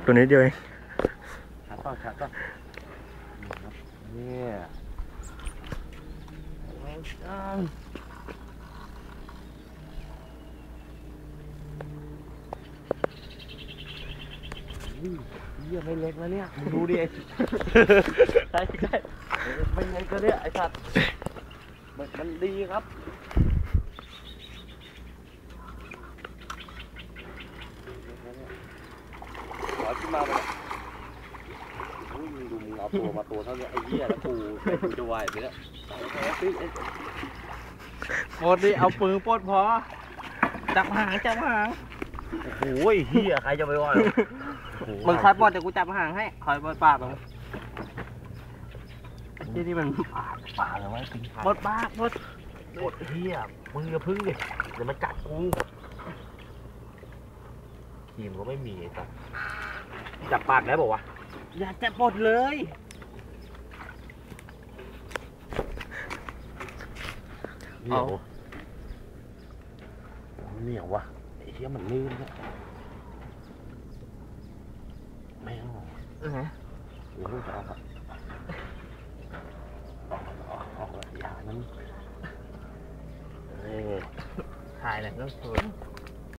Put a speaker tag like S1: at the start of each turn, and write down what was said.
S1: ตัวนี้เดียวเอง
S2: ชัดป่ะชัดป่ะเนี่ยเยี่ยไม่เล็กแล้วเนี่ยมึงดูดิใช่ใช่เป็นไงก็เนี่ยไอ้สัตว์มันดีครับขอขึ้นมาเลยมึงดูมึงเอาตัวมาตัวเท่านี้ไอ้เหี้ยแล้วกูจะไหวไปแล้วหมดดิเอาปืนปลดพอจับหางจับหางโอ้ยเหี้ยใครจะไปว่ามึงคอยปลดเดี๋ยวกูจับหางให้คอยปลดปากมึงที่มันปากเลยว่าจริงปลดปากปลดเหี้ยมึงอย่าพึ่งดิเดี๋ยวมันกัดกูทีมก็ไม่มีไอ้สัสจับปากได้บอกว่าอย่าจับปลดเลยเหนียวเหนียววะไอ้เหี้ยมันลื่นเนี่ยแม่งเดี๋ยวลูกจะเอาครับออกอย่านั้นถ่ายเลยก็สวย